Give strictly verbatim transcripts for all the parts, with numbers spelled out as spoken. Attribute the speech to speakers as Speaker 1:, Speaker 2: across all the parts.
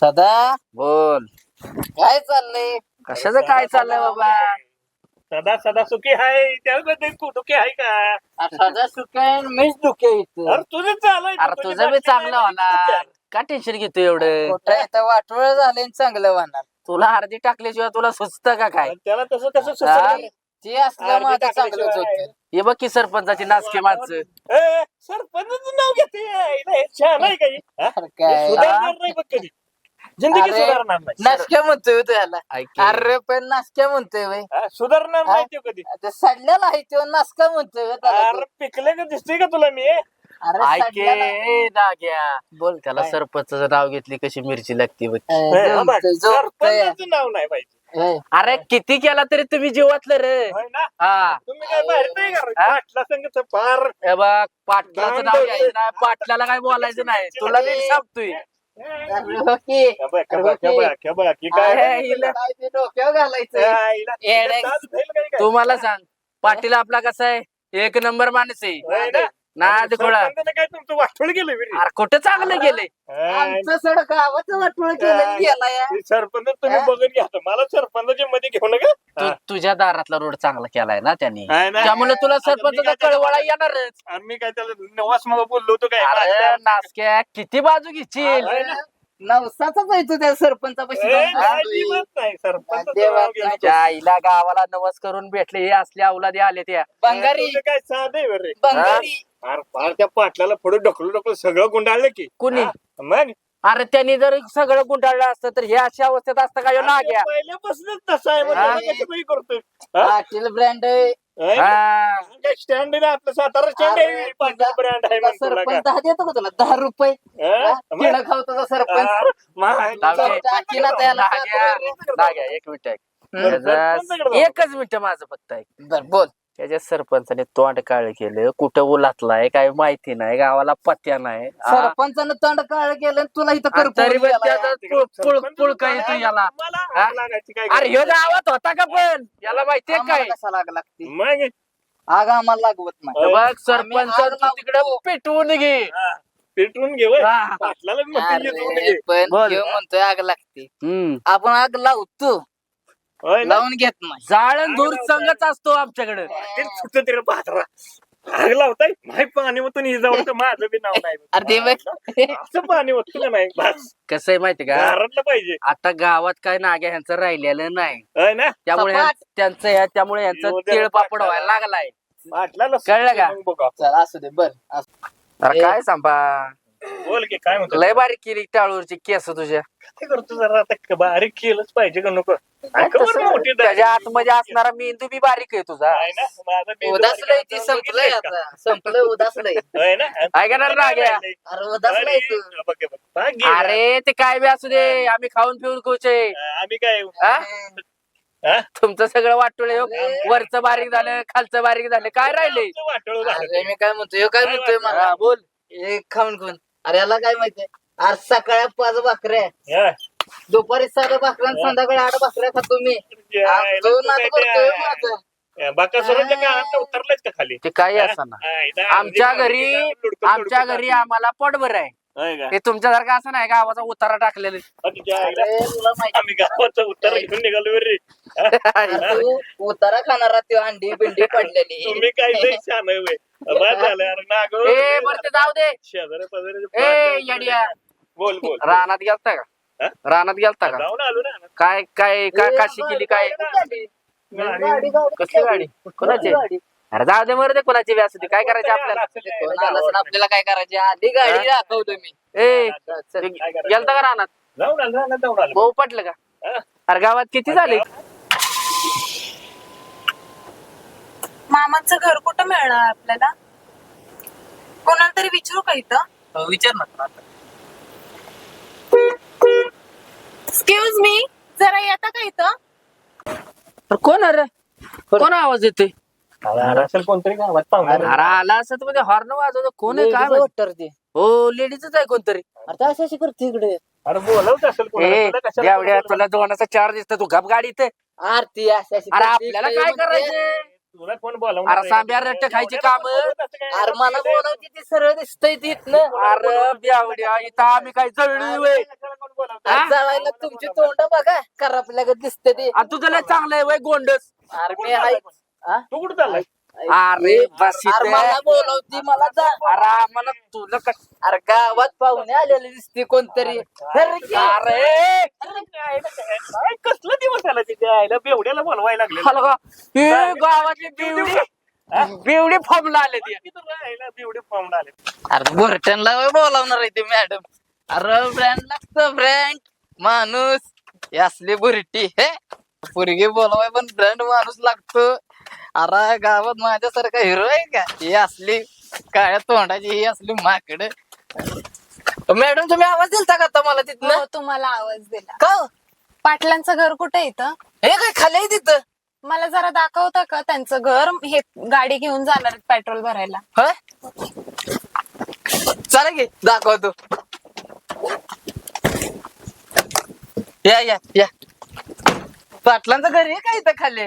Speaker 1: सदा
Speaker 2: बोल.
Speaker 1: काय चाललंय?
Speaker 2: कशाचं काय चाललंय बाबा?
Speaker 3: सदा सदा सुखी आहे त्यामध्ये तू दुखी आहे का?
Speaker 1: आ, सदा सुखाय मीच दुखे इथं.
Speaker 3: अरे तुझं चालय
Speaker 2: अरे तुझं बी चांगलं होणार. का टेन्शन घेतो एवढं?
Speaker 1: कुठं इथं वाटोळ झाले चांगलं होणार.
Speaker 2: तुला अर्धी टाकल्याशिवाय तुला सुचतं का काय?
Speaker 3: त्याला तसं कसं
Speaker 2: हा?
Speaker 3: सुचलं?
Speaker 1: ते असलं
Speaker 3: अर्धी
Speaker 1: माझं चांगलंच
Speaker 3: टाकल्याशिवाय.
Speaker 1: होतं.
Speaker 2: हे बघ की सरपंचाची नाचके माणसं.
Speaker 3: ए, सरपंचाचं नाव घेते यायला हे छान आहे काही
Speaker 1: अरे काय
Speaker 3: सुधारणार नाही बघ कधी जिंदगी
Speaker 1: अरे,
Speaker 3: सुधारणार नाही
Speaker 1: नासक्या म्हणतोय तो ह्याला.
Speaker 2: ऐक की.
Speaker 1: अरे पण नासक्या म्हणतोय वय.
Speaker 3: हा, सुधारणार
Speaker 1: हा?
Speaker 3: नाही तो कधी
Speaker 1: ते सडलेला आहे तो नासका म्हणतोय व्हय त्याला तो.
Speaker 3: अरे पिकले का दिसतोय का तुला मी
Speaker 1: अरे
Speaker 2: ऐक
Speaker 1: सडलेला.
Speaker 2: की, नाग्या.
Speaker 1: बोल
Speaker 2: त्याला
Speaker 1: काय?
Speaker 2: सरपंचाचं नाव घेतली कशी मिरची लागते बघ.
Speaker 1: ए,
Speaker 3: ए, हा बघ,
Speaker 1: जमतंय, जमतंय.
Speaker 3: सरपंचाचं नाव नाही पाहिजे
Speaker 1: ए,
Speaker 2: अरे किती केला तरी तुम्ही जीवातलं रे.
Speaker 3: होय ना
Speaker 2: हा
Speaker 3: तुम्ही काय बाहेर नाही का
Speaker 2: हा?
Speaker 3: पाटला संगत फार
Speaker 2: हे बघ पाटलाचं नाव
Speaker 3: गांड.
Speaker 2: घ्यायचं नाही, पाटलाला काय बोलायचं नाही. तुला नीट सांगतोय.
Speaker 1: अरे हो की.
Speaker 3: खबा, खबा, खबा, खबा, की काय
Speaker 1: अरे,
Speaker 2: हिला-
Speaker 1: काय ते डोक्यावर घालायचं.
Speaker 3: या, हिला-
Speaker 1: येडे.
Speaker 3: हिला ताज धैल काय काय?
Speaker 2: तू मला सांग पाटील आपला कसा आहे? एक नंबर माणूस आहे.
Speaker 3: होय ना?
Speaker 2: नाद खोळा.
Speaker 3: सरपंचानं काय तुमचं वाटोळ गेलं बी रे?
Speaker 2: अरे कुठं चांगलं गेलंय?
Speaker 3: हा,
Speaker 1: आमचं सडक गावाचं वाटोळ केलं गेला या.
Speaker 3: ते सरपंच तुम्ही
Speaker 1: हा?
Speaker 3: बघून घ्या आता. मला सरपंचाच्या मध्ये घेऊ नका
Speaker 2: तू तुझ्या दारातला रोड चांगला केलाय ना त्यांनी,
Speaker 3: हाय ना?
Speaker 2: त्यामुळे तुला
Speaker 3: आता मी
Speaker 2: सरपंचाचा
Speaker 3: काय त्याला-
Speaker 2: कळवळा येणारच.
Speaker 3: आणि मी काय त्याला नवास मग बोललो होतो काय
Speaker 2: अरे नासक्या किती बाजू घेशील?
Speaker 3: होय ना?
Speaker 1: नवसाचाच आहे तो त्या सरपंचापाशी
Speaker 3: ए,
Speaker 1: जाऊन
Speaker 3: काय
Speaker 1: बसतोय.
Speaker 3: किंमत नाही, सरपंचाचं
Speaker 1: देवा,
Speaker 3: नाव घेऊन
Speaker 2: त्या आईला गावाला नवस करून भेटले हे असले अवलादी आले त्या.
Speaker 1: बंगारी
Speaker 3: तुझं काय साधं आहे बरं रे.
Speaker 1: बंगारी
Speaker 3: अरे फार त्या पाटलाला पुढे ढकलू ढकलू सगळं गुंडाळलं की
Speaker 2: कुणी?
Speaker 3: हा? मग
Speaker 2: अरे त्यांनी जर सगळं गुंडाळलं असतं तर हे अशा अवस्थेत असतं का ह्यो नाग्या?
Speaker 3: पहिल्यापासूनच तसं आहे मग
Speaker 2: हा?
Speaker 3: त्याला कसं काही करतोय हा?
Speaker 1: पाटील ब्रँड आहे.
Speaker 3: होय ना?
Speaker 2: हा.
Speaker 3: काय स्टँड आहे ना आपलं सातारा स्टँड आहे पाटील ब्रँड आहे म्हणतो तुला
Speaker 1: सरपंच
Speaker 3: का?
Speaker 1: दहा देतो का तुला दहा रुपये
Speaker 3: हा? मग?
Speaker 1: किडा खाऊ तुझा सरपंच
Speaker 3: हा, मग आहे.
Speaker 2: लावते.
Speaker 1: टाकी ना त्याला.
Speaker 2: नाग्या, नाग्या, एक मिनिट ऐक. त्याचा- एकच मिनिट माझं फक्त ऐक.
Speaker 1: बर बोल.
Speaker 2: त्याच्या सरपंचाने तोंड काळ केलं, कुठं उलातलाय काय माहिती नाही, गावाला पत्त्या नाही. हा?
Speaker 1: सरपंचानं तंड काळ केलं आणि तुला इथं
Speaker 2: आणि तरी पण
Speaker 1: कर
Speaker 2: त्याचा पुळ- पुळ- पुळका येतो याला.
Speaker 3: मला
Speaker 2: हा?
Speaker 3: आग लागायची काय
Speaker 2: अरे ह्यो गावात होता का पण याला माहितीये काय?
Speaker 1: कसा लाग लागते
Speaker 3: मग
Speaker 1: आग आम्हाला लागवत नाही.
Speaker 3: होय.
Speaker 2: बघ सरपंच
Speaker 1: आग लावतो.
Speaker 2: तिकडे पेटवून घे.
Speaker 3: हा, पेटवून घे वय.
Speaker 2: हा.
Speaker 3: पाटलाला म्हणते येऊन
Speaker 1: अरे,
Speaker 3: घे.
Speaker 1: पण
Speaker 2: बोल.
Speaker 1: ह्यो म्हणतोय आग लागते
Speaker 2: हम्म.
Speaker 1: आपण आग लावतो
Speaker 3: होय ना?
Speaker 1: लावून घेत नाही.
Speaker 2: जाळण धूर संघच असतो आमच्याकडे.
Speaker 3: ते सुटतं ते रे पात्रा. आग लावताय नाही पाणी ओतून ही जाऊ तर माझं बी नाव नाही
Speaker 1: अरे ते बघ.
Speaker 3: असं पाणी ओतलं का नाही बस
Speaker 2: कसं आहे माहिती का?
Speaker 3: घरातलं पाहिजे
Speaker 2: आता गावात काय नाग्या ह्यांचं राहिलेलं नाही,
Speaker 3: होय ना
Speaker 2: त्यामुळे
Speaker 1: सपाट.
Speaker 2: ह्यां- त्यांचं ह्या- त्यामुळे यांचं
Speaker 3: येऊ दे
Speaker 2: तिळ
Speaker 3: बाबा.
Speaker 2: पापड व्हायला लागलाय.
Speaker 3: पाटलाला
Speaker 2: कळलं का?
Speaker 3: मग बघा.
Speaker 1: चल असू दे बर असू.
Speaker 2: अरे काय सांभा,
Speaker 3: बोल की काय म्हणतो
Speaker 2: लय बारीक केली टाळूवरची केस तुझ्या.
Speaker 3: ते करतो जरा आता बारीक केलंच पाहिजे का नको ऐका बरं
Speaker 2: तसं
Speaker 3: मोठी दाढी.
Speaker 2: त्याच्या आतमध्ये असणारा मेंदू बी बारीक आहे तुझा.
Speaker 3: आहे ना माझं मेंदू
Speaker 1: उदासलंय
Speaker 3: बारीक
Speaker 1: ती
Speaker 3: आहे.
Speaker 1: संपलंय आता संपलंय उदासलंय.
Speaker 3: होय ना
Speaker 2: ऐकणार ना घ्या.
Speaker 1: अरे उदासलंय तू.
Speaker 3: अरे, बघ, बघ. बघ, घे ना.
Speaker 2: अरे ते काय बी असू दे, आम्ही खाऊन पिऊन खुचे.
Speaker 3: आम्ही काय
Speaker 2: हा?
Speaker 3: हा?
Speaker 2: तुमचं सगळं वाटोळे हो. वरचं बारीक झालं, खालचं बारीक झालं, काय राहिले?
Speaker 3: आमचं वाटोळं झालं.
Speaker 1: अरे मी काय म्हणतोय ह्यो काय म्हणतोय मला
Speaker 2: हा, बोल.
Speaker 1: एक खाऊन खाऊन अरे याला काय माहितीये आज सकाळी पाच भाकऱ्या
Speaker 3: हा.
Speaker 1: दुपारी सात भाकऱ्या आणि संध्याकाळी आठ भाकऱ्या खातो मी
Speaker 3: यायला
Speaker 1: तो
Speaker 3: तू
Speaker 1: नाद
Speaker 3: काय
Speaker 1: करतोय
Speaker 3: ते-
Speaker 1: माझं.
Speaker 3: या बाकासुराच्या काळात उतरलायच का खाली
Speaker 2: ते काही असना
Speaker 3: हा, इथं
Speaker 2: आमच्या
Speaker 3: आमची
Speaker 2: घरी
Speaker 3: लुडकं-
Speaker 2: आमच्या
Speaker 3: लुडकं
Speaker 2: घरी
Speaker 3: टाकली.
Speaker 2: आम्हाला पोटभर आहे.
Speaker 3: होय का?
Speaker 2: ते तुमच्यासारखं असं नाही गावाचा उतारा टाकलेलं.
Speaker 3: तुझ्या आईला
Speaker 1: अरे तुला माहिती
Speaker 3: आम्ही गावाचं उत्तर घेऊन निघालो रे
Speaker 1: अरे तू उतारा खाणारा त्यो अंडी बिंडी पडलेली
Speaker 3: तुम्ही काय लय छान आहे होय. बाद झालं अरे नागो
Speaker 2: ए बरं ते जाऊ दे.
Speaker 3: शेजाऱ्या पाजाऱ्याचे
Speaker 2: ए,
Speaker 3: बाद झाले.
Speaker 2: येड्या.
Speaker 3: बोल बोल
Speaker 2: रानात गेलता का?
Speaker 3: हा?
Speaker 2: रानात गेलता का?
Speaker 3: जाऊन आलो ना
Speaker 2: काय काय काय काशी केली काय?
Speaker 1: गाडी, गाडी, गाडी.
Speaker 2: कसली गाडी? कोणाची?
Speaker 1: गाडी.
Speaker 2: अरे जाऊ दे बरं, दे कोणाची बी असू दे, काय करायचं आपल्याला?
Speaker 1: कोण आलं असेल आपल्याला काय करायचे आधी गाडी दाखवतो मी
Speaker 2: ए
Speaker 3: चल, काय करायचं?
Speaker 2: गेलता का रानात?
Speaker 3: जाऊन आलो रानात जाऊन आलो
Speaker 2: भाऊ पटलं का?
Speaker 3: हा?
Speaker 2: अरे गावात किती झाले?
Speaker 4: मामाचं घर कुठं मिळणार आपल्याला? कोणाला तरी विचारू का इथं?
Speaker 1: विचार ना
Speaker 4: एक्सक्यूज मी, जरा येता का इथं?
Speaker 2: अरे कोण अरे कोण आवाज येतोय?
Speaker 3: अरे असेल कोणतरी गावात पाहुणा
Speaker 2: अरे आला असं तर हॉर्न वाजवतो, कोण आहे काय माहिती?
Speaker 1: वाटतं ते
Speaker 2: हो लेडीजच आहे कोणतरी.
Speaker 1: आता अशी अशी करते इकडे
Speaker 3: अरे बोलवत असेल कोणाला.
Speaker 2: ए
Speaker 3: तुला कशाला
Speaker 2: एवढ्या
Speaker 3: बोलवलं?
Speaker 2: तुला दोनाचा चार दिसत तू गप गाडी इथे.
Speaker 1: आरती अशी अशी
Speaker 2: अरे
Speaker 1: करते
Speaker 2: आपल्याला
Speaker 1: इकडे
Speaker 2: काय
Speaker 1: म्हणते.
Speaker 2: करायचंय?
Speaker 3: तुला कोण बोलावणार
Speaker 2: अरे सांब्या रट्टे खायची काम.
Speaker 1: अरे मला बोलावती ती सरळ दिसतंय तिथनं.
Speaker 2: अरे बेवड्या इथं आम्ही काय जळली वय
Speaker 1: अरे जावायला तुमची तोंड बघा करपल्यागत दिसते ते.
Speaker 2: आणि तुझं लय चांगलं आहे वय गोंडस.
Speaker 1: अरे मी आहे. हा?
Speaker 3: तू कुठं चाललाय
Speaker 2: अरे बस
Speaker 1: अरे
Speaker 2: इथे.
Speaker 1: मला बोलावती मला जा.
Speaker 2: अरे आम्हाला तुला कस
Speaker 1: अरे गावात पाहुणे आलेले दिसते कोणतरी. अरे की-
Speaker 2: अरे
Speaker 3: काय कसलं दिवस आला तिथे आयला बेवड्याला बोलवायला लागले
Speaker 2: हॅलो का हे गावातली बेवडी बेवडी फॉर्मला आले ती.
Speaker 3: बेवडे फॉर्म आले
Speaker 1: अरे बोरटनला बोलावणार आहे ते मॅडम. अरे ब्रँड लागतं ब्रँड माणूस. हे असली बुरटी हे पोरगी बोलवाय पण ब्रँड माणूस लागतो. अरे गावात माझ्यासारखा हिरो आहे का? ही असली काळ्या तोंडाची ही असली माकड. मॅडम तुम्ही आवाज दिलता का आता मला तिथनं?
Speaker 4: हो तुम्हाला आवाज दिला.
Speaker 1: का हो?
Speaker 4: पाटलांचं घर कुठे येतं?
Speaker 1: हे काय खाली आहे तिथं?
Speaker 4: मला जरा दाखवता का त्यांचं घर? हे गाडी घेऊन जाणार आहेत पेट्रोल भरायला.
Speaker 1: होय चला की दाखवतो. या या या पाटलांचं घर आहे का इथं खाली?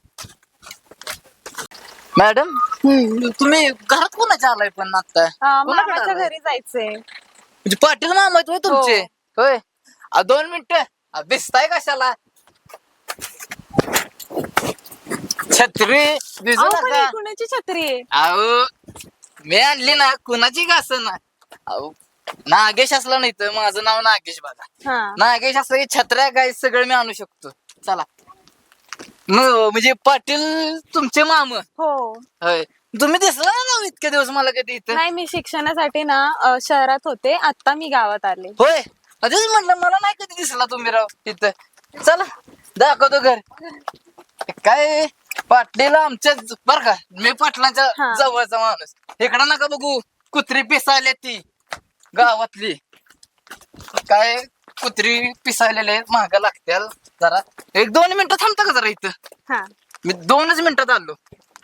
Speaker 1: मॅडम तुम्ही घरात कोणाच्या आलाय पण आता?
Speaker 4: अं,
Speaker 1: कोणाकडे
Speaker 4: मामाच्या
Speaker 1: आलाय?
Speaker 4: घरी जायचंय.
Speaker 1: म्हणजे पाटील मामा आहेत होय तुमचे? होय आ, दोन मिनिटं दिसताय कशाला? छत्री दिसू
Speaker 4: अहो, पण
Speaker 1: नका.
Speaker 4: ही कुणाची छत्री आहे?
Speaker 1: अहो मी आणली ना कुणाची का असं ना. अहो नागेश असला नाही तर माझं नाव नागेश बघा.
Speaker 4: हा
Speaker 1: नागेश असलं की छत्र्या काय सगळं मी आणू शकतो. चला म- म्हणजे पाटील तुमचे माम
Speaker 4: हो.
Speaker 1: होय. तुम्ही दिसला ना इतके दिवस मला कधी इथं?
Speaker 4: नाही मी शिक्षणासाठी ना अं, शहरात होते. आता मी गावात आले.
Speaker 1: होय तेच म्हटलं मला नाही कधी दिसला तुम्ही राव इथं. चला दाखवतो घर. काय पाटलीला आमच्या बर का मी पाटलांच्या
Speaker 4: हा.
Speaker 1: जवळचा माणूस. इकडं नका बघू कुत्री पिसायले ती गावातली. काय कुत्री पिसायलेले महाग लागत्याल. जरा एक दोन मिनिटं थांबता का जरा इथं?
Speaker 4: हा
Speaker 1: मी दोनच मिनिटात आलो.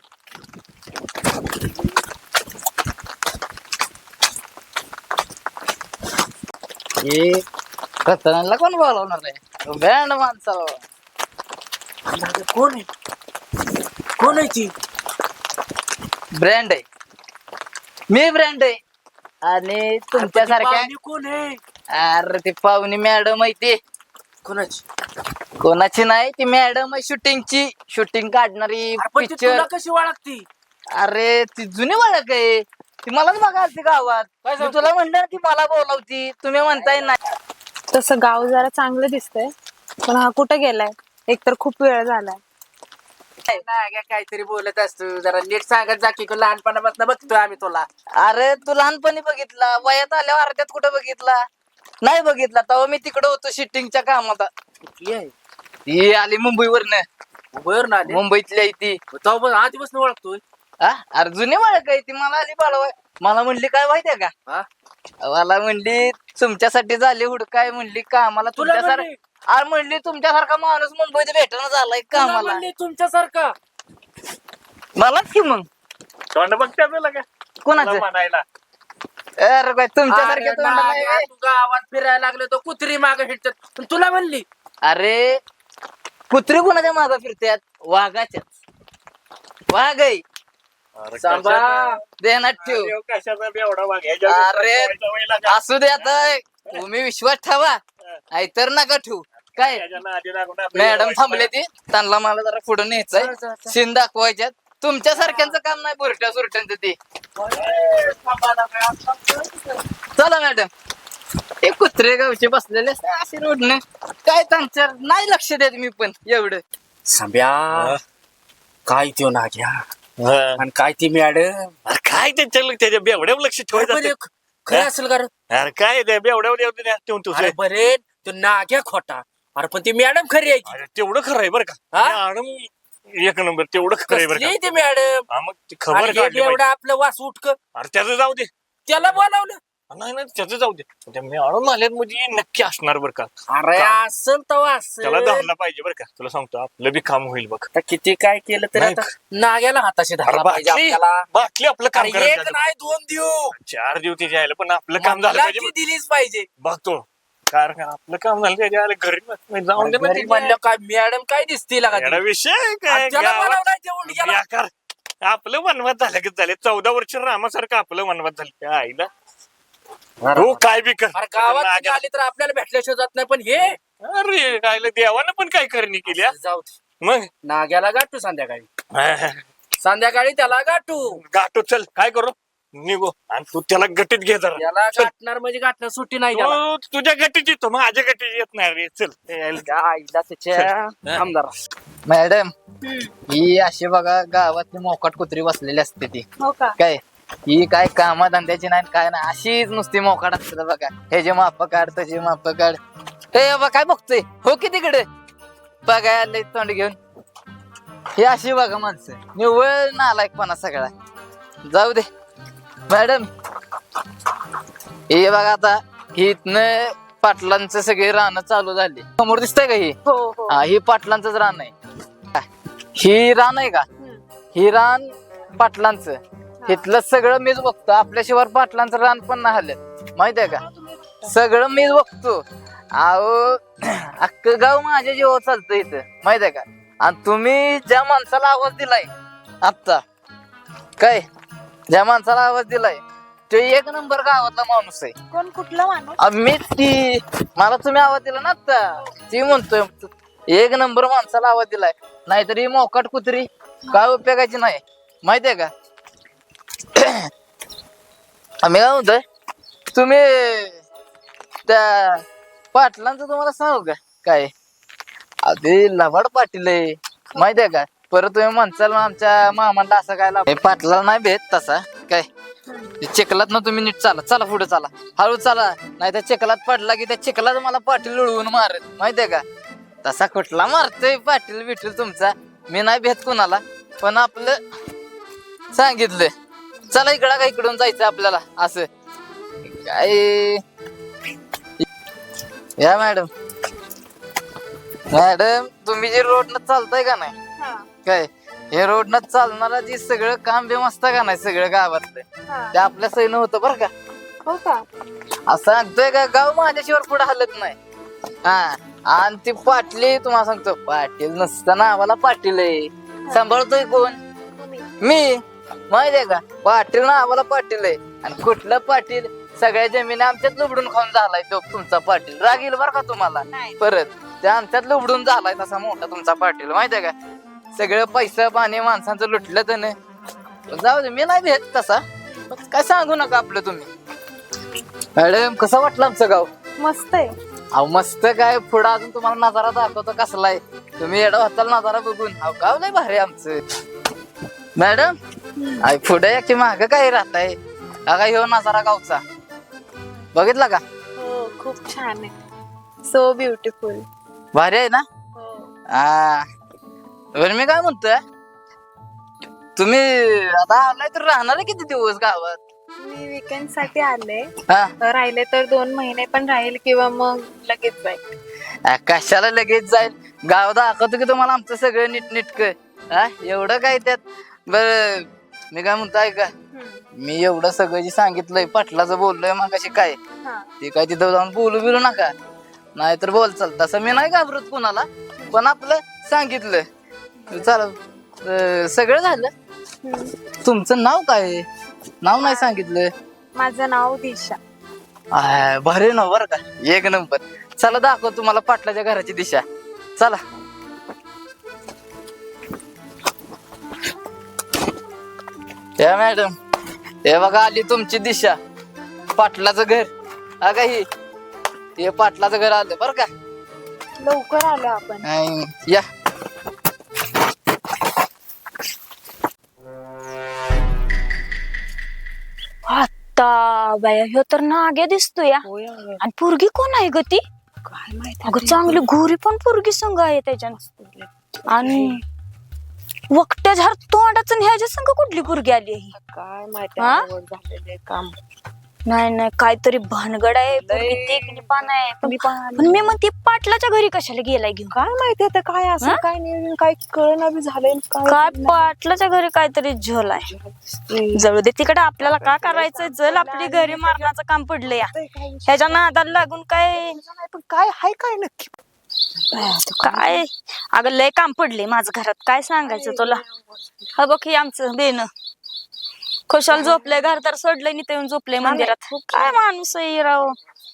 Speaker 1: हे रतनाला कोण बोलावणार आहे? बँड माणसाला.
Speaker 2: कोण आहे कोण आहे ती?
Speaker 1: ब्रँड आहे. मी ब्रँड आहे आणि तुमच्यासारख्या
Speaker 2: पाहुणी कोण आहे?
Speaker 1: अरे ती पाहुणी मॅडम आहे ती.
Speaker 2: कोणाची?
Speaker 1: कोणाची नाही ती मॅडम आहे शूटिंगची. शूटिंग काढणारी
Speaker 2: अरे पण ती
Speaker 1: पिक्चर.
Speaker 2: तुला कशी ओळखती?
Speaker 1: अरे ती जुनी ओळख आहे. ती मलाच बघा आलती गावात.
Speaker 2: काय
Speaker 1: मी
Speaker 2: सांगतो?
Speaker 1: तुला म्हणलं की मला बोलावती तुम्ही म्हणताय नाही.
Speaker 4: तसं गाव जरा चांगलं दिसतंय पण हा कुठे गेलाय? एकतर खूप वेळ झालाय.
Speaker 2: नाग्या काहीतरी बोलत असतो जरा नीट सांगत जा की लहानपणापासून बघतोय आम्ही तुला.
Speaker 1: अरे तू लहानपणी बघितला वयात आल्यावर अर्ध्यात कुठं बघितला? नाही बघितला तेव्हा मी तिकडे होतो शूटिंगच्या कामात.
Speaker 2: कुठली आहे?
Speaker 1: ही आली मुंबईवरनं.
Speaker 2: बर ना आली.
Speaker 1: मुंबईतली आहे ती.
Speaker 2: तेव्हा आधीपासून ओळखतोय.
Speaker 1: हा अरे जुनी ओळख आहे ती. मला आली बाळवाय. मला म्हणली काय माहितीये का?
Speaker 2: हा?
Speaker 1: मला म्हणली तुमच्यासाठी झाली हुडकाय म्हणली कामाला
Speaker 2: तुला
Speaker 1: तुमच्यासारखं.
Speaker 2: म्हणली?
Speaker 1: अरे म्हणली तुमच्यासारखा माणूस मुंबईत भेटणं झालाय कामाला.
Speaker 2: म्हणली तुमच्यासारखा.
Speaker 1: मलाच की मग
Speaker 3: तोंड बघत्या तुला का
Speaker 1: कोणाचं?
Speaker 3: तुला म्हणायला
Speaker 1: अरे काय तुमच्यासारखे
Speaker 2: अरे
Speaker 1: तोंड नाही
Speaker 2: नाग्या,
Speaker 1: बे.
Speaker 2: तू गावात फिरायला लागले तो कुत्री मागे हिंडतात पण तुला म्हणली.
Speaker 1: अरे कुत्री कोणाच्या मागे फिरतात? वाघाच्या. वाघ आहे.
Speaker 3: अरे
Speaker 2: सांबा.
Speaker 3: कशाचा-
Speaker 1: देण्यात ठेव.
Speaker 3: अरे कशाचा बेवडा वाघ ह्याच्या
Speaker 1: अरे.
Speaker 3: विश्वास ठेवायचा का?
Speaker 1: असू दे आता. तुम्ही विश्वास ठेवा नाहीतर नका ठेवू. काय
Speaker 3: त्याच्या नादी लागून आपलं
Speaker 1: मॅडम
Speaker 3: एवढं
Speaker 1: थांबले ती. त्यांना मला जरा पुढे न्यायचंय.
Speaker 2: चल, चल, चल.
Speaker 1: सीन दाखवायच्यात. तुमच्यासारख्यांचं काम नाही बुरट्या सुरट्यांचं ते. चला मॅडम. ते कुत्रे गावचे बसलेले असे रोडने काय त्यांच्या नाही लक्ष देत मी पण एवढं.
Speaker 2: सांब्या काय त्यो नाग्या
Speaker 3: हा.
Speaker 2: आणि काय ती मॅडम.
Speaker 3: अरे काय त्याच्या त्याच्या बेवड्यावर लक्ष ठेवायचं
Speaker 2: बरे,
Speaker 3: असतं.
Speaker 2: खरं असेल का रे?
Speaker 3: अरे काय ते बेवड्यावर ठेवून तू
Speaker 2: अरे बरे तो नाग्या खोटा. अरे पण ती मॅडम खरी आहे की?
Speaker 3: अरे तेवढं खरं आहे बरं का
Speaker 2: हा?
Speaker 3: मॅडम एक नंबर तेवढं खरं आहे बरं
Speaker 2: कसली
Speaker 3: का
Speaker 2: ती मॅडम.
Speaker 3: हा, मग ती खबर
Speaker 2: आणि
Speaker 3: काढली
Speaker 2: एवढं
Speaker 3: पाहिजे.
Speaker 2: आपलं वास उठक
Speaker 3: अरे त्याचं जाऊ दे
Speaker 2: त्याला बोलावलं.
Speaker 3: नाही नाही त्याचं जाऊ दे त्या मॅडम आल्यात म्हणजे नक्की असणार बरं का
Speaker 2: अरे असल तर असल.
Speaker 3: त्याला धरलं पाहिजे बरं का तुला सांगतो आपलं बी काम होईल बघ
Speaker 2: आता किती काय केलं तरी
Speaker 3: नाही.
Speaker 2: आता नाग्याला हाताशी धरला
Speaker 3: अरे
Speaker 2: पाहिजे
Speaker 3: बाटली
Speaker 2: आपल्याला.
Speaker 3: बाटली आपलं काम
Speaker 2: अरे एक
Speaker 3: करायचं
Speaker 2: नाही दोन देऊ.
Speaker 3: चार दिवशी यायला पण आपलं काम झालं
Speaker 2: मला
Speaker 3: पाहिजे
Speaker 2: ती दिलीच पाहिजे.
Speaker 3: बघतो कारण आपलं काम झालं त्याच्या आले घरी बस- जाऊन दे ना
Speaker 2: घरी
Speaker 3: ते.
Speaker 2: म्हणलं काय मॅडम काय दिसतील का
Speaker 3: येडा विषय काय
Speaker 2: ज्याला
Speaker 3: गावात
Speaker 2: बनवलाय ते उंडक्याला.
Speaker 3: बेकार. आपलं वनवास झालं की झाले चौदा वर्ष रामासारखं आपलं वनवास झालं त्या आईला हो काय बी कर
Speaker 2: अरे गावात
Speaker 3: नाग्या-
Speaker 2: आली तर आपल्याला भेटल्याशिवाय जात नाही पण हे
Speaker 3: अरे काय देवानं पण काय करणी केली हा?
Speaker 2: जाऊ दे.
Speaker 3: मग
Speaker 2: नाग्याला गाठू संध्याकाळी संध्याकाळी त्याला गाठू
Speaker 3: गाठो चल काय करू निघो आणि तू त्याला गटीत घे जरा
Speaker 2: त्याला
Speaker 3: चल.
Speaker 2: गाठणार म्हणजे गाठणार सुट्टी नाही त्याला.
Speaker 3: तू तुझ्या गटीत येतो माझ्या गटीत येत नाही रे चल
Speaker 2: त्या आईला त्याच्या आमदार
Speaker 1: मॅडम ही अशी बघा गावातली मोकाट कुत्री बसलेली असते ती
Speaker 4: हो का?
Speaker 1: काय ही काय कामा धंद्याची नाही काय नाही अशीच नुसती मोकाट असते बघा हे जे माप काढ त्याचे माप काढ हे बघा काय बघतोय हो की तिकडे बघा आले तोंड घेऊन ही अशी बघा माणसं निव्वळ नालायकपणा सगळा जाऊ दे मॅडम हे बघा आता ही इथनं पाटलांचं सगळे रानं चालू झाली समोर दिसतंय का ही
Speaker 4: हो हो
Speaker 1: हा ही पाटलांचंच रान आहे ही रान आहे का
Speaker 4: हम्म.
Speaker 1: ही रान पाटलांचं इथलं सगळं मीच बघतो आपल्याशिवाय पाटलांचं रान पण नाही हल्लं माहित आहे का सगळं मीच बघतो अहो अख्खं गाव माझ्या जीवावर चालतं इथं माहित आहे का आणि तुम्ही ज्या माणसाला आवाज दिलाय आत्ता काय ज्या माणसाला आवाज दिलाय तो एक नंबर गावातला माणूस आहे
Speaker 4: कोण कुठला माणूस?
Speaker 1: अ, मीच ती मला तुम्ही आवाज दिला ना आता ती म्हणतोय एक नंबर माणसाला आवाज दिलाय नाहीतर ही मोकाट कुत्री काय उपयोगाची नाही माहितीये का आम्ही काय म्हणतोय तुम्ही त्या पाटलांचं तुम्हाला सांगू का काय अगदी लबाड पाटील आहे माहितीये का परत तुम्ही म्हणसाल आमच्या मामाला असं काय लाभ पाटला नाही भेट तसा काय चिखलात ना तुम्ही नीट चाला चला पुढे चाला हळू चाला नाही त्या चिखलात पडला की त्या चिखलात मला पाटील उडवून मारत माहितीये का तसा कुठला मारतोय पाटील बिटील तुमचा मी नाही भेट कुणाला पण आपलं सांगितलं चला इकडं का इकडून जायचं आपल्याला असं काय या मॅडम मॅडम तुम्ही जे रोडनं चालताय का नाही
Speaker 4: हा,
Speaker 1: काय हे रोडनं चालणारा जे सगळं काम बिम असतं का नाही सगळं गावातलं
Speaker 4: हा.
Speaker 1: ते आपल्या सैन्य होतं बरं का
Speaker 4: हो का?
Speaker 1: असं सांगतोय का गाव माझ्याशिवाय पुढे हलत नाही हा आणि ती पाटली तुम्हाला सांगतो पाटील नसताना आम्हाला पाटील आहे सांभाळतोय कोण
Speaker 4: तुम्ही.
Speaker 1: मी माहितीये का पाटील ना आम्हाला पाटील आहे आणि कुठलं पाटील सगळ्या जमिनी आमच्यात लुबडून खाऊन झालाय तो तुमचा पाटील राग येईल बरं का तुम्हाला
Speaker 4: नाही.
Speaker 1: परत त्या आमच्यात लुबडून झालाय तसा मोठा तुमचा पाटील माहितीये का सगळं पैसा पाणी माणसांचं लुटलं त्याने जाऊ दे मी नाही भेट तसा पण काय सांगू नका आपलं तुम्ही मॅडम कसं वाटलं आमचं गाव
Speaker 4: मस्त आहे.
Speaker 1: अहो मस्त काय पुढं अजून तुम्हाला नजारा दाखवतो कसलाय तुम्ही एवढा होताल नजारा बघून अहो गाव लय भारी आमचं मॅडम आई पुढे या की माग काय राहताय हा काय ह्यो नजारा गावचा बघितला का
Speaker 4: हो खूप छान आहे. So beautiful.
Speaker 1: भारी आहे ना
Speaker 4: हो.
Speaker 1: हा बरं मी काय म्हणतोय तुम्ही आता आलाय तर राहणार आहे किती दिवस गावात
Speaker 4: मी विकेंड साठी आले
Speaker 1: हा
Speaker 4: राहिले तर दोन महिने पण राहील किंवा मग लगेच जाईल.
Speaker 1: आ, कशाला लगेच जाईल गाव दाखवतो की तुम्हाला आमचं सगळं नीट नीटक हा एवढं काय त्यात बर मी काय म्हणतो ऐका
Speaker 4: हम्म.
Speaker 1: मी एवढं सगळं जे सांगितलंय पाटलाचं बोललोय मग कशी काय
Speaker 4: हा.
Speaker 1: ते काय तिथं जाऊन बोलू बिलू नका नाहीतर बोल चाल तसं मी नाही घाबरत कुणाला पण आपलं सांगितलं चला अं, सगळं झालं
Speaker 4: हम्म.
Speaker 1: तुमचं नाव काय आहे? नाव नाही सांगितलं
Speaker 4: माझं नाव दिशा.
Speaker 1: आय, भारी नाव बरं का एक नंबर चला दाखव तुम्हाला पाटलाच्या घराची दिशा चला या मॅडम हे बघा आली तुमची दिशा पाटलाचं घर अगा ही हे पाटलाचं घर आलं बरं का
Speaker 4: लवकर आलो आपण.
Speaker 1: अं, या
Speaker 5: आता बाया ह्यो तर नाग्या दिसतोय या. आणि पोरगी कोण आहे ग ती?
Speaker 4: काय माहिती
Speaker 5: अगं चांगली घोरी पण पोरगी संघ आहे त्याच्या आणि वकट्या झाड तोंडाचं आणि ह्याच्या संघ कुठली पोरगी आली आहे?
Speaker 4: काय माहिती
Speaker 5: हा?
Speaker 4: आवड झालेले काम.
Speaker 5: नाही नाही काहीतरी भानगड आहे पोरगी देखणी पण आहे पण पण मी म्हणते पाटलाच्या घरी कशाला गेलाय घेऊन
Speaker 4: काय माहिती आता काय असं
Speaker 5: हा?
Speaker 4: काय नियोजन काय कळना बी झालंय
Speaker 5: काय पाटलाच्या घरी काहीतरी झोल आहे जळू दे तिकडे आपल्याला काय करायचंय जल आपली घरी मारण्याचं काम पडलं या ह्याच्या नादाला लागून काय
Speaker 4: पण काय हाय काय नक्की
Speaker 5: काय अगं लय काम पडले माझं घरात काय सांगायचं तुला हा बघ हे आमचं बेन खुशाल झोपलंय घर तर सोडलंय नि ते येऊन झोपलंय मंदिरात काय माणूस आहे राव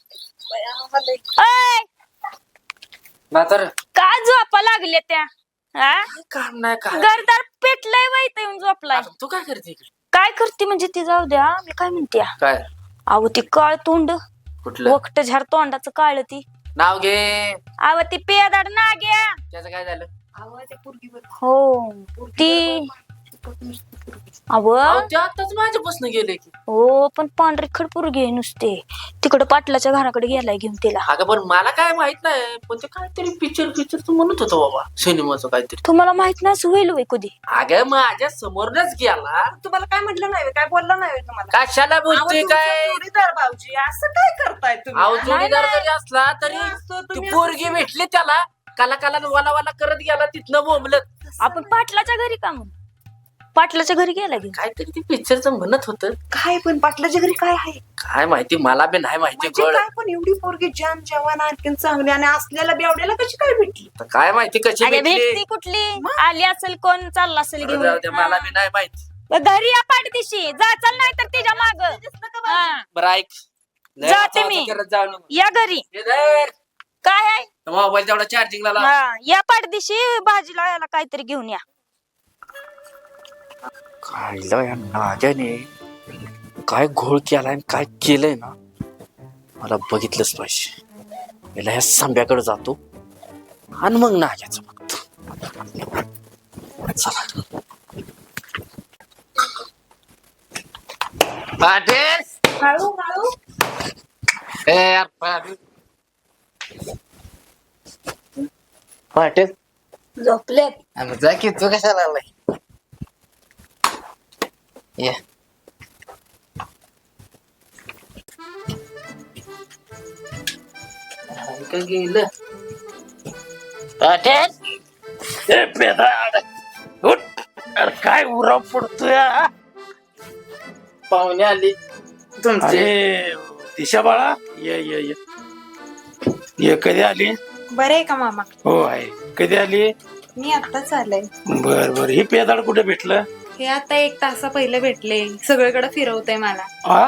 Speaker 5: ऐ,
Speaker 2: म्हातार
Speaker 5: काय झोपा लागले त्या हा
Speaker 2: काम नाही काय
Speaker 5: घरदार पेटलंय वय इथं येऊन झोपलाय
Speaker 2: आता तू काय करते इकडे?
Speaker 5: काय करते म्हणजे ती जाऊ द्या मी काय म्हणते
Speaker 2: काय
Speaker 5: अहो ती काळ तोंड
Speaker 2: कुठलं
Speaker 5: वकट झाड तोंडाचं काळ ती
Speaker 2: नाव घे
Speaker 5: अहो ती पेदाड ना घ्या
Speaker 2: त्याचं काय झालं
Speaker 5: हो ती अव
Speaker 2: अहो, ते आताच माझ्यापासून गेले की
Speaker 5: हो पण पांढरी खडपूर घे नुसते तिकडं पाटलाच्या घराकडे गेलाय घेऊन तिला
Speaker 2: अगं पण मला काय माहित नाही पण ते काहीतरी पिक्चर पिक्चर तू म्हणत होतो बाबा सिनेमाचं काहीतरी
Speaker 5: तुम्हाला माहित नाही असं होईल वय कधी
Speaker 2: अगं माझ्या समोरच गेला
Speaker 6: तुम्हाला काय म्हटलं नाही काय बोललं नाही तुम्हाला
Speaker 2: कशाला बोलतोय काय
Speaker 6: जोडीदार भाऊजी असं काय करताय तुम्ही
Speaker 2: अहो जोडीदार जरी असला तरी
Speaker 6: असतो
Speaker 2: ती
Speaker 6: तुम्ही
Speaker 2: पोरगी भेटली त्याला काला काला वाला वाला करत गेला तिथनं बोंबलत
Speaker 5: आपण पाटलाच्या घरी का म्हणून पाटलाच्या घरी गेला घेऊन
Speaker 2: काहीतरी ती पिक्चरचं म्हणत होत
Speaker 6: काय पण पाटलाच्या घरी काय आहे
Speaker 2: काय माहिती मला बी नाही माहिती
Speaker 6: म्हणजे
Speaker 2: गळ
Speaker 6: काय पण एवढी पोरगी जान जवान आणखीन चांगली आणि असलेल्या बेवड्याला कशी काय भेटली
Speaker 2: आता काय माहिती कशी
Speaker 5: अरे
Speaker 2: भेटली
Speaker 5: भेटती कुठली आली असेल कोण चालला असेल
Speaker 2: जाऊ द्या,
Speaker 5: घेऊन
Speaker 2: मला बी नाही माहिती
Speaker 5: घरी या पाठदिशी जा चल नाही तर तिच्या माग
Speaker 2: बरं ऐक लय
Speaker 5: जाते
Speaker 2: वाचा
Speaker 5: मी.
Speaker 2: वाचा करत जाऊ नको.
Speaker 5: या घरी
Speaker 2: हे धर.
Speaker 5: काय आहे
Speaker 2: मोबाईल तेवढा चार्जिंगला लाव
Speaker 5: हा, या पाठदिशी भाजीला याला काहीतरी घेऊन या
Speaker 2: काढलं या नाग्याने काय घोळ केलाय आणि काय केलंय ना मला बघितलंच पाहिजे याला ह्या सांब्याकडे जातो आणि मग नाग्याचं बघतो चला
Speaker 1: पाटील
Speaker 6: हळू हळू
Speaker 1: ए यार पाटील पाटील
Speaker 5: झोपलेत
Speaker 1: अरे जा की तू कशाला आलाय ये का गेलं पाटील
Speaker 3: ए पेदाड उठ. अरे काय उराव पडतोय हा?
Speaker 1: पाहुणे आली तुमचे
Speaker 3: अरे दिशा बाळा ये ये ये ये कधी आली
Speaker 4: बरे आहे का मामा
Speaker 3: हो आहे कधी आली
Speaker 4: मी आत्ताच आले
Speaker 3: बर बर ही पेदाड कुठे भेटलं
Speaker 4: हे आता एक तासा पहिले भेटले सगळीकडे फिरवतय मला
Speaker 3: हा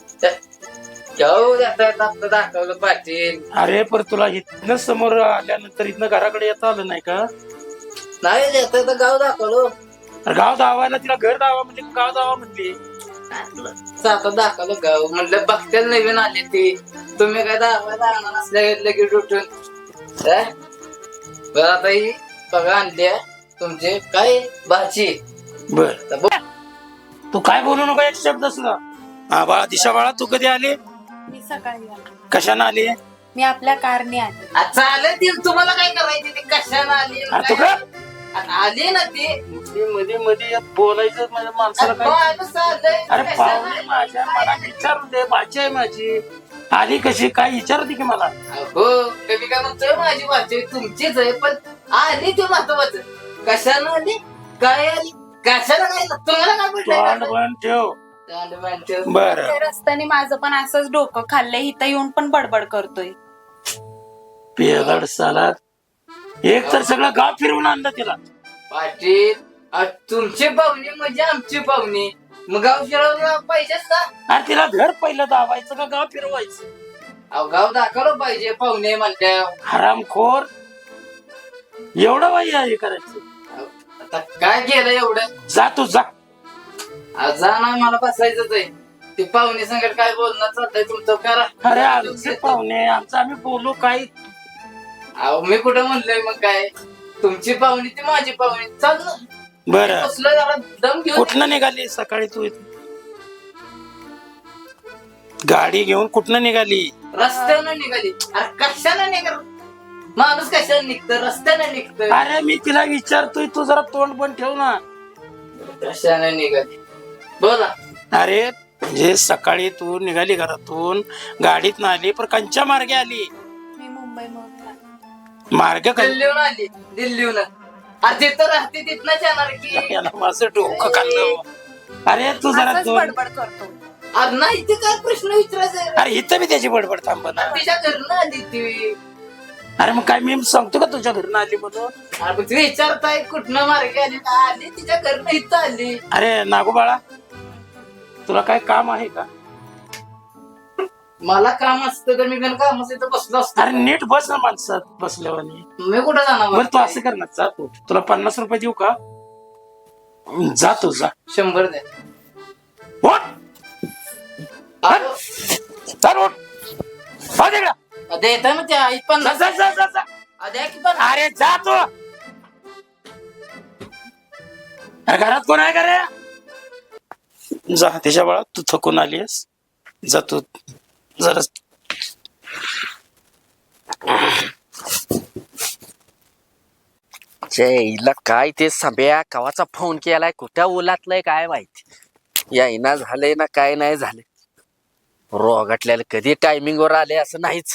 Speaker 1: जाऊ जाता आपलं दाखवलं पाटील
Speaker 3: अरे पर तुला इथनं समोर आल्यानंतर इथनं घराकडे येता आलं नाही का
Speaker 1: नाही जाता तर गाव दाखवलं
Speaker 3: अरे गाव दावायला तिला घर दावा म्हणजे गाव दावा म्हणली
Speaker 1: आता दाखवलं गाव म्हणलं बघते नवीन आली ती तुम्ही काय दाखवायला आणणार नसल्या लगेच उठून काय? बरं आता ही बघा आणली तुमचे काय भाजी
Speaker 3: बर
Speaker 1: तर बघ.
Speaker 3: तू काय बोलू नको एक शब्द सुद्धा हा बाळा दिशा बाळा तू कधी आली
Speaker 4: मी सकाळी आले
Speaker 3: कशाने आली
Speaker 4: मी आपल्या कारने आले
Speaker 1: आ, चालेल तुम्हाला काय करायची ती कशाला आली
Speaker 3: अरे तू
Speaker 1: काय?
Speaker 3: का
Speaker 1: आ, आली ना ती
Speaker 3: मध्ये मध्ये बोलायचं माझ्या माणसाला काय
Speaker 1: माणूस आलंय,
Speaker 3: अरे
Speaker 1: कशाला
Speaker 3: पाहुणे
Speaker 1: आली?
Speaker 3: माझ्या मला विचारू दे भाची आहे माझी आली कशी काय विचारते की मला
Speaker 1: हो कधी काय म्हणतोय माझी भाजी तुमचीच आहे पण आली ती महत्वाचं कशाला आली काय आली कशाला काय तुम्हाला काय
Speaker 3: तोंड
Speaker 1: म्हटलं
Speaker 3: बंद ठेव
Speaker 1: म्हटलं
Speaker 3: बर
Speaker 4: त्या रस्त्याने माझं पण असंच डोकं खाल्लंय इथं येऊन पण बडबड करतोय
Speaker 3: पेगड सालात एक तर सगळं गाव फिरवून आणलं तिला
Speaker 1: पाटील आ, तुमची पाहुणी म्हणजे आमची पाहुणी मग गाव फिरवलं पाहिजेच का
Speaker 3: अरे तिला घर पहिलं दावायचं का गाव फिरवायचं
Speaker 1: अहो गाव दाखवलं पाहिजे पाहुणे म्हणल्या
Speaker 3: हरामखोर एवढं बाई हे करायचं
Speaker 1: आता काय केलं एवढं
Speaker 3: जा तू जा
Speaker 1: आ, जा ना मला बसायचंच आहे ती पाहुणे संकट काय बोलणं चालतंय तुमचं करा
Speaker 3: अरे आमचे पाहुणे आमचं आम्ही बोलू काही
Speaker 1: अहो मी कुठं म्हणलोय मग काय तुमची पाहुणी ती माझी पाहुणी चाल ना
Speaker 3: बरं
Speaker 1: बसलोय जरा दम घेऊन
Speaker 3: कुठनं निघाली सकाळी तू इथून गाडी घेऊन कुठनं निघाली
Speaker 1: रस्त्यानं निघाली अरे कशाला निघाल माणूस कशाला निघतं रस्त्यानं निघतं
Speaker 3: अरे मी तिला विचारतोय तू जरा तोंड पण ठेव ना
Speaker 1: कशाने निघाली बोला
Speaker 3: अरे
Speaker 7: म्हणजे सकाळी तू निघाली घरातून गाडीत आली पण कंच्या मार्गे आली
Speaker 4: मी मुंबई
Speaker 7: मार्ग कं-
Speaker 1: दिल्लीहून आली दिल्लीहून अरे तिथं राहते तिथनच येणार की
Speaker 7: याला माझं डोकं खाल्लं अरे तू जरा
Speaker 6: असंच
Speaker 7: दोन
Speaker 6: बडबड करतो
Speaker 1: अरे नाही ते काय प्रश्न विचारायचा आहे?
Speaker 7: अरे इथं मी त्याची बडबड थांब ना
Speaker 1: तिच्या घरनं आली ती
Speaker 7: अरे मग काय मी सांगतो का तुझ्या घरून आली म्हणून
Speaker 1: अरे मग तुम्ही विचारताय कुठनं मार्गे आली का आली तिच्या घरनं इथं आली
Speaker 7: अरे नागू बाळा तुला काय काम आहे का
Speaker 1: मला काम असतं तर मी पण काम असतं बसलो असतो
Speaker 7: अरे नीट बस ना माणसात बसल्यावानी
Speaker 1: मी कुठं जाणार
Speaker 7: बरं तू असं कर ना जा तू तुला पन्नास रुपये देऊ का जा तू जा
Speaker 1: शंभर द्या
Speaker 7: उठ.
Speaker 1: अरे,
Speaker 7: चल उठ. हो तिकडं.
Speaker 1: देता ना त्या आई पण
Speaker 7: जा, जा, जा, जा, जा.
Speaker 1: द्या की पण
Speaker 7: अरे जा तू अरे घरात कोण आहे का रे जा त्याच्या बाळा तू थकून आलीस जा तू जरा
Speaker 2: हिला काय ते सांब्या कवाचा फोन केलाय कुठं उलातलंय काय माहिती यायना झालंय ना काय नाही झाले रोगाटल्याला कधी टायमिंग वर आले असं नाहीच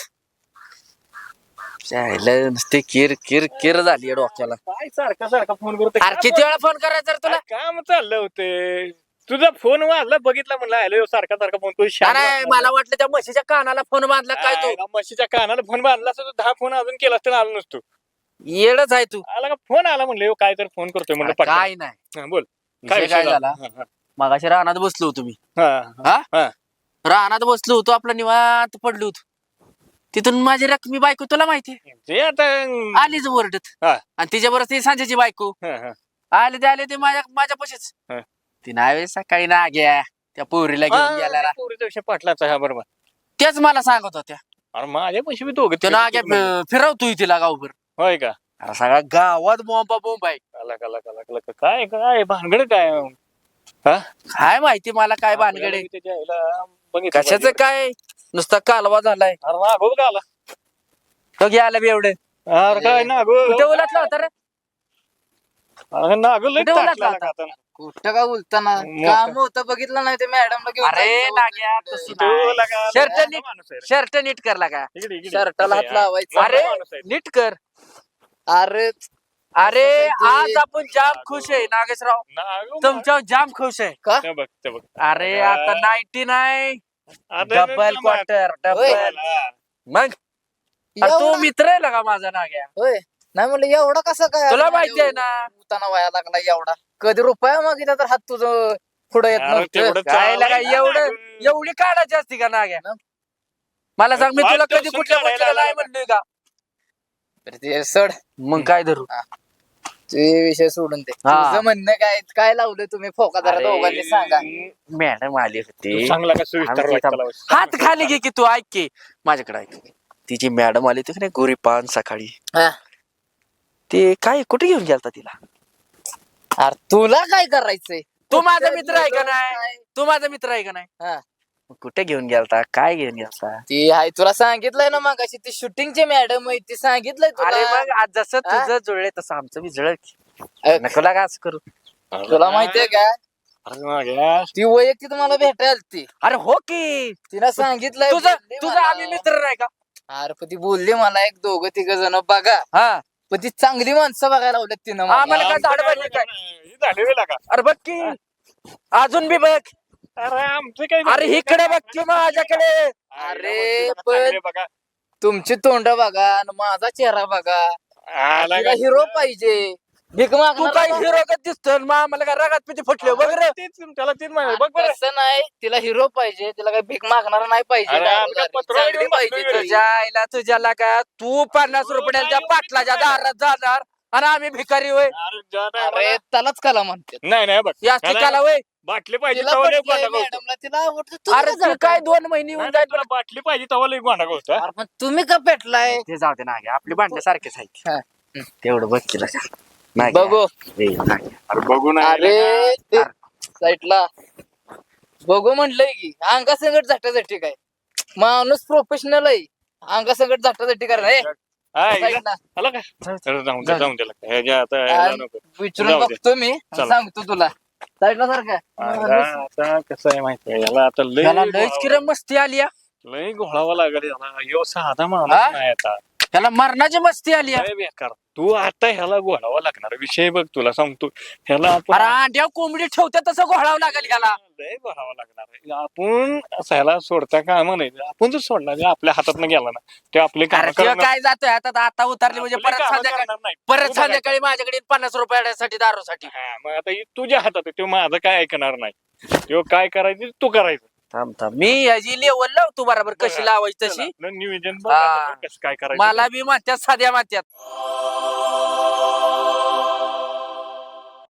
Speaker 2: त्याला नुसते किर किर किर झाली डोक्याला
Speaker 3: काय सारखा सारखा फोन करतो
Speaker 2: अरे किती वेळा फोन करायचा रे तुला
Speaker 3: काम चाललं होते तुझा फोन वाजला बघितला म्हणलं हॅलो सारखा सारखा फोन तू
Speaker 2: नाही मला वाटलं त्या म्हशीच्या कानाला फोन बांधला काय तू
Speaker 3: म्हशीच्या कानाला फोन बांधला असता दहा फोन अजून केला असता आलो नसतो
Speaker 2: येडच आहे तू
Speaker 3: आला का फोन आला म्हणलं काय तर फोन करतोय म्हणलं पटकन.
Speaker 2: काय नाही
Speaker 3: हा, बोल
Speaker 2: विषय काय झाला
Speaker 3: हा,
Speaker 2: मगाशी रानात बसलो होतो मी
Speaker 3: हा, हा.
Speaker 2: हा रानात बसलो होतो आपला निवांत पडलो होतो तिथून माझी रकमी बायको तुला माहिती
Speaker 3: ते आता
Speaker 2: आलीच वरडत
Speaker 3: हा.
Speaker 2: आणि तिच्याबरोबर ती सांजेची बायको
Speaker 3: हा, हा.
Speaker 2: आले ते आले ते माझ्या माझ्या पशीच
Speaker 3: हा.
Speaker 2: ती नावे सकाळी ना घ्या त्या पोरीला घेऊन
Speaker 3: हा,
Speaker 2: गेला
Speaker 3: पोरीचा विषय पाटलाचा हा बरोबर
Speaker 2: तेच मला सांगत होत्या
Speaker 3: अरे माझ्या पैसे बी दोघे
Speaker 2: तो ना फिरवतोय तिला गावभर
Speaker 3: होय का
Speaker 2: अरे सगळ्या गावात बोंबा बोंब आहे
Speaker 3: आला का, आला का, आला का, आला का. काय काय भानगड काय हा
Speaker 2: काय माहिती मला काय भानगडे
Speaker 3: आपल्याला त्याच्या आईला बघितलं
Speaker 2: कशाच
Speaker 3: पाहिजे.
Speaker 2: काय नुसता कालवा झालाय
Speaker 3: अरे ना गो का आला
Speaker 2: तो घ्यायला बी एवढे
Speaker 3: अरे काय ना गो
Speaker 2: कुठे उलटला होता रे
Speaker 3: अरे ना गो लय
Speaker 2: कुठे उलटला
Speaker 3: ताटला
Speaker 2: होता?
Speaker 3: आता.
Speaker 1: कुठं का बोलताना
Speaker 3: मोठं.
Speaker 1: काम होतं बघितलं नाही ते मॅडमला घेऊन
Speaker 2: अरे
Speaker 1: जायचं
Speaker 2: नाग्या
Speaker 1: होतं
Speaker 2: तसं
Speaker 1: तिकडे.
Speaker 3: तू लगा-
Speaker 2: शर्ट
Speaker 3: लगा
Speaker 2: नीट-
Speaker 3: माणूस आहे रे.
Speaker 2: शर्ट नीट करला का
Speaker 3: इकडे- इकडे.
Speaker 1: शर्टाला हात
Speaker 3: हा.
Speaker 1: लावायचा.
Speaker 3: मोठा
Speaker 2: अरे
Speaker 3: माणूस आहे.
Speaker 2: नीट कर
Speaker 1: अरे
Speaker 2: अरे
Speaker 1: कसं आहे
Speaker 2: आज
Speaker 1: ते?
Speaker 2: आपण जाम खुश आहे नागेशराव
Speaker 3: ना गो,
Speaker 2: तुमच्यावर जाम खुश आहे
Speaker 1: का
Speaker 3: ते बघ ते बघ
Speaker 2: अरे आता नाईन्टी नाही
Speaker 3: आता
Speaker 2: डबल
Speaker 3: ना-
Speaker 2: क्वार्टर
Speaker 1: होय.
Speaker 2: डबल
Speaker 3: हा.
Speaker 2: मग अरे तू
Speaker 1: एवढा-
Speaker 2: मित्र आहे का माझा नाग्या
Speaker 1: होय नाही म्हणलं एवढा कसं काय
Speaker 2: तुला
Speaker 1: अरे,
Speaker 2: माहिती आहे ना
Speaker 1: उताना व्हायला लागला एवढा कधी रुपया मागितला तर हात तुझं पुढे येत
Speaker 3: अरे
Speaker 1: नव्हतं
Speaker 3: तेवढं
Speaker 2: काय
Speaker 3: चाललंय
Speaker 2: लगा
Speaker 3: ना
Speaker 2: एवढं
Speaker 3: गो.
Speaker 2: एवढी काढायची असती का नाग्या
Speaker 1: ना.
Speaker 2: मला सांग मी
Speaker 3: पाच
Speaker 2: तुला कधी
Speaker 3: दिवसांनी
Speaker 2: कुठल्या
Speaker 3: काढायला
Speaker 2: गोष्टीला नाही
Speaker 3: लागला.
Speaker 2: म्हणलोय का
Speaker 1: तर ते सड
Speaker 2: मग काय धरू
Speaker 1: ते विषय सोडून दे
Speaker 2: हा.
Speaker 1: तुझं म्हणणं काय काय लावलं तुम्ही फोका जरा दोघांनी सांगा
Speaker 2: मॅडम आली
Speaker 3: तू
Speaker 2: होती
Speaker 3: चांगला का सुविस्तार
Speaker 2: आम्ही
Speaker 3: वाटला
Speaker 2: तिथं-
Speaker 3: लावला.
Speaker 2: हात खाली घे की तू ऐक की माझ्याकडे ऐक तिची मॅडम आली होती की नाही गोरी पान सकाळी
Speaker 1: हा.
Speaker 2: ते काय कुठे घेऊन गेलता तिला
Speaker 1: अरे तुला काय करायचंय
Speaker 2: तू माझा मित्र आहे का नाही तू माझा मित्र आहे का नाही
Speaker 1: हा.
Speaker 2: मग कुठे घेऊन गेलता काय घेऊन गेलता
Speaker 1: ती आहे तुला सांगितलंय ना मग ती शूटिंगची मॅडम आहे ती सांगितलंय
Speaker 2: अरे
Speaker 1: तुला
Speaker 2: मग आज जसं
Speaker 1: हा?
Speaker 2: तुझं जुळले तसं आमचं बी जुळलं की.
Speaker 1: अ,
Speaker 2: नको लागा असं करू
Speaker 1: तुला माहितीये का
Speaker 3: अरे मागे.
Speaker 1: ती वैयक्तिक मला भेटायला ती
Speaker 2: अरे हो की
Speaker 1: तिला सांगितलंय
Speaker 2: तुझं
Speaker 1: बोलली
Speaker 2: तुझं
Speaker 1: मला.
Speaker 2: आम्ही मित्र नाही का
Speaker 1: अरे पण ती बोलली मला एक दोघं तिघ जण बघा
Speaker 2: हा
Speaker 1: पण ती चांगली माणसं बघायला लावल्यात तिनं मला.
Speaker 2: आम्हाला काय झाड पाहिजे काय
Speaker 3: हे झाले वेळ लागा.
Speaker 2: अरे बघ की अजून बी बघ
Speaker 3: अरे आमचं काय
Speaker 2: अरे इकडे बघ की माझ्याकडे
Speaker 1: अरे,
Speaker 3: पण
Speaker 1: पण-
Speaker 3: बघा
Speaker 1: तुमची तोंड बघा आणि माझा चेहरा बघा
Speaker 3: आला
Speaker 1: तिला
Speaker 3: का?
Speaker 1: हिरो पाहिजे भीक
Speaker 2: तू
Speaker 1: मागणार
Speaker 2: काय
Speaker 1: ना.
Speaker 2: हिरो का दिसतो मग आम्हाला काय रागात पिती फुटले बघ रे
Speaker 3: तेच त्याला तेच म्हणाले. बघ बरं
Speaker 1: तसं नाही तिला हिरो पाहिजे तिला काय भीक मागणार नाही पाहिजे
Speaker 3: अरे, आम्ही काय पत्रावळी
Speaker 1: चांगली
Speaker 3: घेऊन
Speaker 1: पाहिजे
Speaker 3: बसलोय
Speaker 1: ती.
Speaker 2: तुझ्या आईला तुझ्याला का तू पन्नास रुपयाच्या पाटलाच्या दारात जाणार आणि आम्ही भिकारी होय
Speaker 3: अरे, ज्या time
Speaker 1: अरे
Speaker 3: ला-
Speaker 1: त्यालाच कला म्हणते
Speaker 3: नाही नाही बघ
Speaker 2: या
Speaker 3: त्याला
Speaker 2: ठिकाला होय
Speaker 3: बाटली पाहिजे
Speaker 1: तिला
Speaker 3: तवा लय
Speaker 1: पटलंय
Speaker 3: गोंडा गवतो.
Speaker 1: मॅडमला तिला आवडतं
Speaker 2: अरे
Speaker 1: तुम्ही
Speaker 2: तू
Speaker 1: जरा
Speaker 2: काय
Speaker 1: काय
Speaker 2: दोन महिने येऊन
Speaker 3: नाही,
Speaker 2: जाईल
Speaker 3: तुला बाटली पाहिजे तवा लय गोंडा गवतो, हा?
Speaker 1: अरे पण तुम्ही का पेटलाय
Speaker 2: ते जाऊ दे नागे आपले भांडे सारखेच आहेत
Speaker 1: हा.
Speaker 2: तेवढं बघ केलं का नागे.
Speaker 1: बघू
Speaker 2: ए, नागे.
Speaker 3: अरे बघू ना
Speaker 1: अरे ते साईडला बघू म्हटलंय की अंगासंगट झटाझटी काय माणूस प्रोफेशनल आहे अंगासंगट झटाझटी करा हे,
Speaker 3: हा, इकडं.
Speaker 1: साईडला.
Speaker 3: आला का चल, जाऊन दे
Speaker 2: जाऊ दे.
Speaker 3: जाऊन दे ह्याच्या आता ह्याला
Speaker 1: आणि
Speaker 3: नको.
Speaker 1: विचारून
Speaker 3: जाऊ दे.
Speaker 1: बघतो मी
Speaker 3: चला.
Speaker 1: सांगतो तुला साईडला सारखा
Speaker 3: आईला आता कसं आहे माहितीये याला आता लय
Speaker 2: त्याला लयच
Speaker 3: घोळावं-
Speaker 2: किरण मस्ती आली या.
Speaker 3: लय घोळावं लागेल याला यो साधा माणूस
Speaker 2: हा?
Speaker 3: नाही आता
Speaker 2: त्याला मरणाची मस्ती आली या.
Speaker 3: लय बेकार तू आता ह्याला घोळावं लागणार विषय बघ तुला सांगतो ह्याला
Speaker 2: अरे
Speaker 3: आपण
Speaker 2: अंड्या कोंबडी ठेवते तसं घोळावं लागेल त्याला.
Speaker 3: लय घोळावं लागणार आहे. आपण असं ह्याला सोडता कामा नाही आपण जर सोडला जे आपल्या हातात गेला ना ते आपले काम
Speaker 2: अरे ते काय जातोय आता आता उतरली म्हणजे परत संध्याकाळी
Speaker 3: नाही
Speaker 2: परत
Speaker 3: तू बघायचं.
Speaker 2: संध्याकाळी माझ्याकडे पन्नास रुपयासाठी दारूसाठी.
Speaker 3: हा, मग आता हे तुझ्या हातात आहे तो माझं काय ऐकणार नाही तो काय करायचं तू करायचं
Speaker 2: थांब थांब मी याची लेवल लावतो बरोबर कशी लावायची तशी.
Speaker 3: चला, नियोजन बघ
Speaker 2: हा.
Speaker 3: आता कसं काय करायचं
Speaker 2: मला बी म्हणतात साध्या म्हणतात